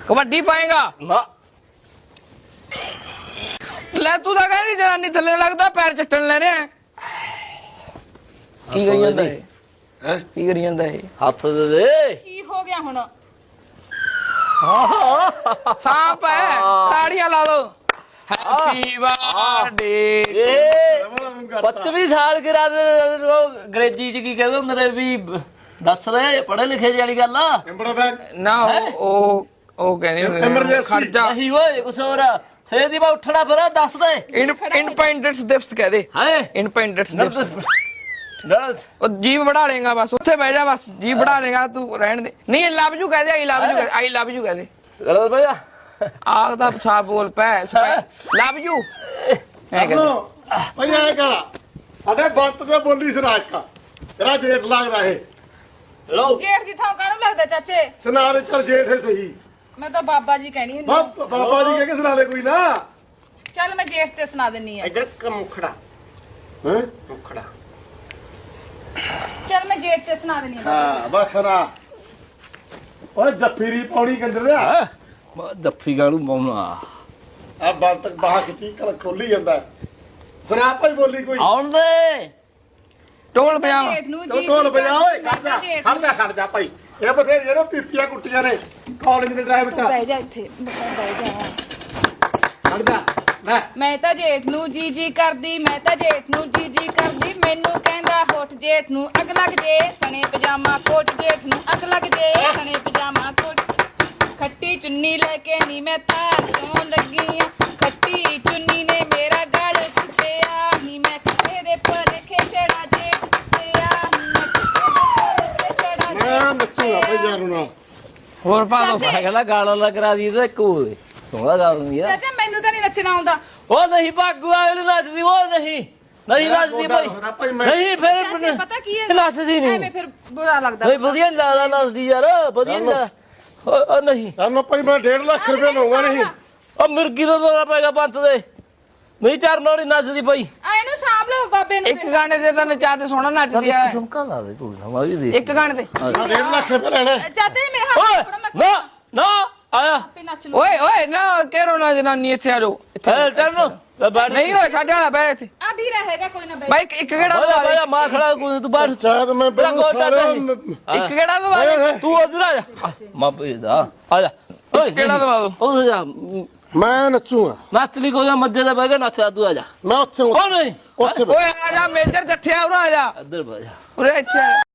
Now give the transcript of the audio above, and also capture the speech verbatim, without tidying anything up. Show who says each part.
Speaker 1: कबड्डी पाएगा
Speaker 2: ना
Speaker 1: ले तू तो कहनी जनानी थले लगता पैर चट्टन ले रहे हैं की करी ਜਾਂਦਾ ਹੈ
Speaker 3: ਹੈ
Speaker 1: ਕੀ ਕਰੀ ਜਾਂਦਾ ਹੈ
Speaker 2: हथ दे दे
Speaker 4: ਕੀ ਹੋ ਗਿਆ ਹੁਣ
Speaker 1: सांप है ताड़ियां ला दो हैप्पी बर्थडे
Speaker 2: पच्चीस साल गिरा दे अंग्रेजी च की कहदे हुंदे ने भी दस ले पढ़े लिखे वाली गल आ
Speaker 3: ਐਂਬੜਾ ਬੈਗ
Speaker 1: ना ओ ओ कहने
Speaker 3: Emergency।
Speaker 1: खर्चा
Speaker 2: नहीं ओए कुछ और सवेर दी मैं उठना फिर दस दे
Speaker 1: इंडिपेंडेंस दिवस कह दे
Speaker 2: है
Speaker 1: इंडिपेंडेंस दिवस
Speaker 2: नर्स
Speaker 1: ਉਹ ਜੀਵ ਬੜਾ ਲੇਗਾ ਬਸ ਉੱਥੇ ਬਹਿ ਜਾ ਬਸ ਜੀਵ ਬੜਾ ਲੇਗਾ ਤੂੰ ਰਹਿਣ ਦੇ ਨਹੀਂ ਲਵ ਯੂ ਕਹਦੇ ਆਈ love you I love you ਕਹਦੇ
Speaker 2: गलत भैया
Speaker 1: ਆਹ ਤਾਂ ਸਾਫ ਬੋਲ ਪੈ ਲਵ ਯੂ ਐ
Speaker 3: ਲੋ ਭਾਈ ਐ ਕਰਾ ਸਾਡੇ ਬੰਤ ਤੇ ਬੋਲੀ ਸਰਾਜ ਕਾ ਤੇਰਾ ਜੇਠ ਲੱਗਦਾ ਇਹ
Speaker 2: लो
Speaker 4: ਜੇਠ ਦੀ ਥਾਂ ਕਾਹਨੂੰ ਲੱਗਦਾ ਚਾਚੇ
Speaker 3: ਸੁਨਾਰੇ ਚਲ ਜੇਠ ਹੈ ਸਹੀ
Speaker 4: ਮੈਂ ਤਾਂ ਬਾਬਾ ਜੀ ਕਹਿਣੀ ਹੁੰਦੀ
Speaker 3: ਬਾਬ- ਬਾਬਾ ਜੀ ਕਹਿ ਕੇ ਸੁਣਾ ਦੇ ਕੋਈ ਨਾ
Speaker 4: ਚੱਲ ਮੈਂ ਜੇਠ ਤੇ ਸੁਣਾ ਦਿੰਨੀ ਆ
Speaker 2: इधर का मुखड़ा
Speaker 3: ਹੈ
Speaker 2: मुखड़ा
Speaker 4: ਚੱਲ ਮੈਂ ਜੇਠ ਤੇ ਸੁਣਾ ਦਿੰਨੀ ਆ
Speaker 3: ਹਾਂ ਬਸ ਸੁਣਾ ਓਏ ਜੱਫੀਰੀ ਪੌੜੀ ਕੰਦਰ ਆ
Speaker 2: जफ्फी गानू पाउना
Speaker 3: ਆ ਬਲ ਤੱਕ ਬਾਹ ਖਿੱਚੀ ਕਲ ਖੋਲੀ ਜਾਂਦਾ ਸੁਣਾ ਭਾਈ ਬੋਲੀ ਕੋਈ
Speaker 2: आउन दे
Speaker 1: ਢੋਲ ਪਜਾਮਾ
Speaker 4: ਜੇਠ ਨੂੰ
Speaker 3: ਚਲੋ
Speaker 4: ਜੀ
Speaker 3: ਢੋਲ ਵਜਾ ਓਏ
Speaker 4: ਮੈਂ
Speaker 3: ਖੜ ਜਾ
Speaker 4: ਤਾਂ ਜੇਠ
Speaker 3: ਖੜ ਜਾ ਖੜ ਜਾ ਭਾਈ ਇਹ ਬਥੇਰੇ ਜਿਹੜੇ ਪੀਪੀਆਂ ਕੁੱਟੀਆਂ ਨੇ ਕਾਲਜ ਦੇ ਡਰਾਈਵ ਚ
Speaker 4: ਬਹਿ ਜਾ ਇੱਥੇ ਬਹਿ ਜਾ
Speaker 3: ਖੜ ਜਾ ਲੈ
Speaker 4: ਮੈਂ ਤਾਂ ਜੇਠ ਨੂੰ ਜੀ ਜੀ ਕਰਦੀ ਮੈਂ ਤਾਂ ਜੇਠ ਨੂੰ ਜੀ ਜੀ ਕਰਦੀ ਮੈਨੂੰ ਕਹਿੰਦਾ ਹੋਠ ਜੇਠ ਨੂੰ ਅੱਗ ਲੱਗ ਜੇ ਸਣੇ ਪਜਾਮਾ ਕੋਟ ਜੇਠ ਨੂੰ ਅੱਗ ਲੱਗ ਜੇ ਸਣੇ ਪਜਾਮਾ ਕੋਟ ਖੱਟੀ ਚੁੰਨੀ ਲੈ ਕੇ ਨੀ ਮੈਂ ਤਾਰ ਚੋਂ ਲੱਗੀ ਆ ਖੱਟੀ ਚੁੰਨੀ ਨੇ ਮੇਰਾ ਗਲ ਚੁੱਟਿਆ ਨੀ ਮੈਂ ਖੱਟੇ ਦੇ ਪਰ ਖੇਛੜਾ ਜੇਠ ਤੇਰਾ ਨੀ ਮੈਂ ਖੱਟੇ ਦੇ ਪਰ ਖੇਛੜਾ
Speaker 3: ਮੈਂ ਨੱਚੂਗਾ ਭਾਈ ਜਾਨੂ ਨਾਲ
Speaker 1: ਹੋਰ ਪਾ ਦੋ
Speaker 2: मैं कहना गाना ला करा दी तो एक सोहना गा रही है
Speaker 4: ਚਾਚਾ ਮੈਨੂੰ ਤਾਂ ਨਹੀਂ ਨੱਚਣਾ ਆਉਂਦਾ
Speaker 2: ओ नहीं भागू आए नचदी वो नहीं नहीं नचदी भाई
Speaker 3: ਭਾਈ ਮੈਂ
Speaker 2: नहीं फिर
Speaker 4: ਚਾਚੇ ਪਤਾ ਕੀ ਹੈ
Speaker 2: नचदी नहीं
Speaker 4: ਐਵੇਂ ਫਿਰ ਬੁਰਾ ਲੱਗਦਾ
Speaker 2: भाई ਵਧੀਆ ਨੀ ਲੱਗਦਾ ਨਚਦੀ ਯਾਰ ਵਧੀਆ ਨੀ ਲੱਗਦਾ। ਓ ਓ ਨਹੀਂ
Speaker 3: ਸਾਨੂੰ ਭਾਈ ਮੈਂ ਡੇਢ ਲੱਖ ਰੁਪਏ ਲਊਗਾ ਨਹੀਂ
Speaker 2: ਉਹ ਮਿਰਗੀ ਦਾ ਦੌਰਾ ਪੈ ਗਿਆ ਪੰਤ ਦੇ ਨਹੀਂ ਚਰਨ ਵਾਲੀ ਨੱਚਦੀ ਭਾਈ
Speaker 4: ਆ ਇਹਨੂੰ ਸਾਂਭ ਲਓ ਬਾਬੇ ਨੂੰ
Speaker 1: ਇੱਕ ਗਾਣੇ ਤੇ ਤਾਂ ਨਚਾ ਤੇ ਸੋਹਣਾ ਨੱਚਦੀ ਆ
Speaker 2: ਝੁਮਕਾ ਲਾ ਦੇ ਕੋਈ ਨਾ ਮੈਂ ਵੀ ਦੇਖ
Speaker 1: ਇੱਕ ਗਾਣੇ ਤੇ
Speaker 3: ਮੈਂ ਡੇਢ ਲੱਖ ਰੁਪਏ ਲੈਣੇ
Speaker 4: ਚਾਚਾ ਜੀ ਮੇਰੇ ਹੱਥ
Speaker 2: ਓਏ
Speaker 4: ਥੋੜਾ ਮੈਂ
Speaker 2: ਨਾ ਨਾ ਆਇਆ
Speaker 4: ਆਪੇ ਨੱਚ ਲਓ
Speaker 1: ਓਏ ਓਏ ਨਾ ਕਹਿਰੋ ਨਾ ਜਨਾਨੀ ਇੱਥੇ ਆ ਜਾਓ
Speaker 2: ਚੱਲ ਚਰਨ ਬੈਠ
Speaker 1: ਨਹੀਂ ਓਏ ਸਾਡੇ ਵਾਲਾ ਬੈ ਇੱਥੇ
Speaker 4: ਆ ਵੀ ਰਹੇਗਾ ਕੋਈ ਨਾ ਬਈ
Speaker 1: ਬਾਈ ਇੱਕ ਕਿਹੜਾ
Speaker 2: ਓਏ
Speaker 1: ਦਵਾ
Speaker 2: ਭਾਈ ਮਾਂ ਖੜਾ ਕੋਈ ਤੂੰ ਬਾਹਰ
Speaker 3: ਚਾਹਤ ਮੈਂ
Speaker 2: ਤੇਰਾ
Speaker 3: ਬਿਲਕੁਲ
Speaker 2: ਗੋਡਾ
Speaker 3: ਸਾਰਾ
Speaker 2: ਨਹੀਂ।
Speaker 1: ਇੱਕ ਕਿਹੜਾ ਦਵਾ ਦੇ
Speaker 2: ਤੂੰ ਉਧਰ ਆ ਜਾ ਮਾਂ ਭੇਜਦਾ ਆ ਜਾ ਓਏ
Speaker 1: ਕਿਹੜਾ ਦਵਾ ਦੋ
Speaker 2: ਉਹ ਜਾ
Speaker 3: ਮੈਂ ਨੱਚੂਗਾ
Speaker 2: ਨੱਚ ਲਈ ਕੋਈ ਮੱਜੇ ਦਾ ਬਹਿ ਗਿਆ ਨੱਚਾ ਤੂੰ ਆ ਜਾ
Speaker 3: ਮੈਂ ਉੱਥੇ
Speaker 2: ਉਹ ਨਹੀਂ
Speaker 3: ਉੱਥੇ
Speaker 1: ਓਏ ਆ ਜਾ ਮੇਜਰ ਜੱਠਿਆ ਉਰਾ ਆ ਜਾ
Speaker 2: ਇੱਧਰ ਬਹਿ ਜਾ
Speaker 1: ਉਰੇ ਇੱਥੇ ਆ ਜਾ।